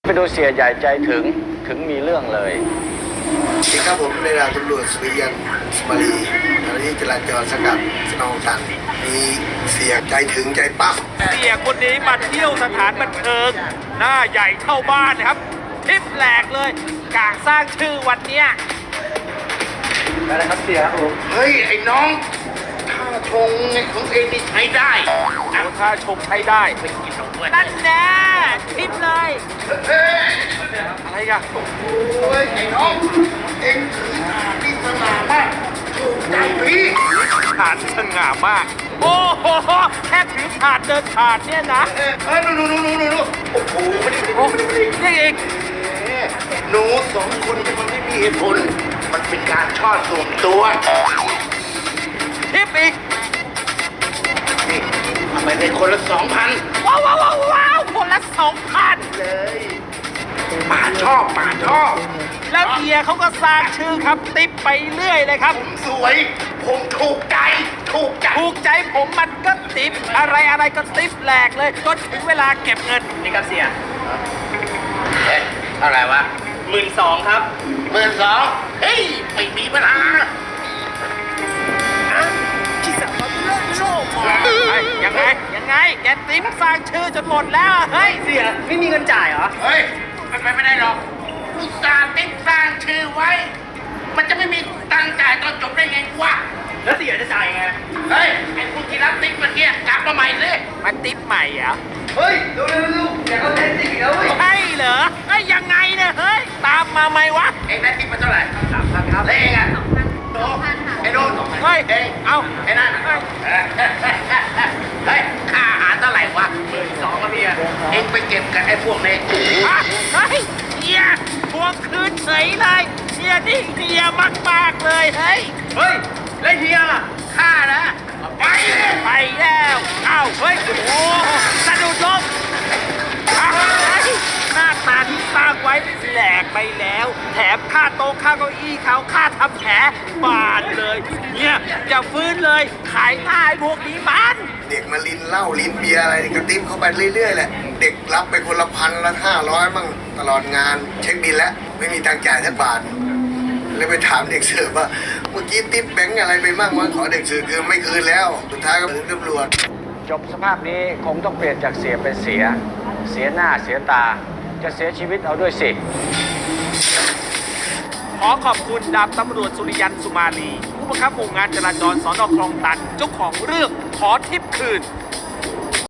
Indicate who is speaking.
Speaker 1: ไปดูเสียใหญ่ใจถึงมีเรื่องเลย
Speaker 2: สวัสดีครับผมในดาบตำรวจสุริยันสมารีเจ้าหน้าที่จราจรสกัดสนองตันมีเสียใจถึงใจปั๊บ
Speaker 3: เสียคนนี้มาเที่ยวสถานบันเทิงหน้าใหญ่เท่าบ้านนะครับทิปแหลกเลยกะสร้างชื่อวันเนี้ย
Speaker 1: อะไรครับเสียครับผม
Speaker 2: เฮ้ยไอ้น้องท่าชงของเองนี่ใช้ได้
Speaker 3: เอาถ้าชมให้ได้ไปกินเอาด้วยนั่นแน่ทิปเลย
Speaker 2: เฮ้ย
Speaker 3: อะไรกัน
Speaker 2: โอ้ยไอ้น้องเองคือที่สง่ามากถูกใจพี่
Speaker 3: ถาดสง่ามากโอ้โหแค่ถือถาดเดินถาดเนี่ยนะ
Speaker 2: ดูโอ้โหไม่ได้
Speaker 3: โอ้นี่อีก
Speaker 2: หนูสองคนมันไม่มีเหตุผลมันเป็นการชอบส่วนตัว
Speaker 3: ทิปอีก
Speaker 2: นี่ทำไมได้คนละ 2,000
Speaker 3: ว้าวคนละ2,000
Speaker 2: เลยป่าชอบ
Speaker 3: แล้วเฮียเขาก็สร้างชื่อครับติปไปเรื่อยเลยครับ
Speaker 2: ผมสวย ผมถูกใจ
Speaker 3: ถูกใจผมมันก็ติปอะไรก็ติปแหลกเลยจนถึงเวลาเก็บเงินนี่ครับเสีย
Speaker 2: เอ๊ะอะไรวะ
Speaker 3: 12,000ครับ
Speaker 2: 12,000เฮ้ย ไม่มีปัญหา
Speaker 3: ยังไงแกติปสร้างชื่อจนหมดแล้วเฮ้ยเสียไม่มีเงินจ่ายเหรอ
Speaker 2: เฮ้ยมันไปไม่ได้หรอกอุตส่าห์ติ๊กสร้างชื่อไว้ มันจะไม่มีตังค์จ่ายตอนจบได้ไงวะ
Speaker 3: แล้วเสียจะจ่ายไง
Speaker 2: เฮ้ย ไอ้ผู้ที่รับติ๊กเมื่อกี้กลับมาใหม่เลย
Speaker 3: มันติปใหม่เหรอ
Speaker 2: เฮ้ยเร็วอย่าเอาเทนติ๊กอีกแล้วเว้ย
Speaker 3: ใช่เหรอไอ้ยยังไงเนี่ยเฮ้ยตามมาไหมวะ
Speaker 2: เองได้ติ๊กมาเท่าไหร่3,000ครับแล้วเองอ่ะโตไอ้โน่น
Speaker 3: เฮ้ย
Speaker 2: เอง
Speaker 3: เอา
Speaker 2: ไอ้นั่น
Speaker 3: เฮ้ย
Speaker 2: เฮ้ย ค่าอาหารเท่าไหร่วะ12,000ครับพี่เองไปเก็บกับไอ้พวกนี้
Speaker 3: ฮะเฮ้ยเฮียทวงคืนเฉยเลยเฮียนี่เฮียมากๆเลยเฮ้ยแล้วเฮียล่ะ
Speaker 2: ค่านะไปเลย
Speaker 3: ไปแล้วอ้าวเฮ้ยโอ้สะดุดล้มอ้าวเฮ้ยหน้าตาที่สร้างไว้แหลกไปแล้ว แถมค่าโต๊ะค่าเก้าอี้เขาค่าทำแผลบาดเลยเนี่ยจะฟื้นเลยขายหน้าไอ้พวกนี้มัน
Speaker 2: เด็กมาลิ้นเหล้าลิ้นเบียร์อะไรกระติ๊บเข้าไปเรื่อยๆแหละ เด็กรับไปคนละ1,000ละ500มั่งตลอดงาน เช็คบินแล้ว ไม่มีตังค์จ่ายสักบาทเลยไปถามเด็กเสิร์ฟว่า เมื่อกี้ติ๊บแบงค์อะไรไปมั่งวะขอเด็กเสิร์ฟคือไม่คืนแล้ว สุดท้ายก็ถึงตำรวจ
Speaker 1: จบสภาพนี้คงต้องเปลี่ยนจากเสียเป็นเสียหน้าเสียตาจะเสียชีวิตเอาด้วยสิ
Speaker 3: ขอขอบคุณดาบตำรวจสุริยันสุมาลีผู้บังคับหมู่งานจราจรสนคลองตันเจ้าของเรื่องขอทิปคืน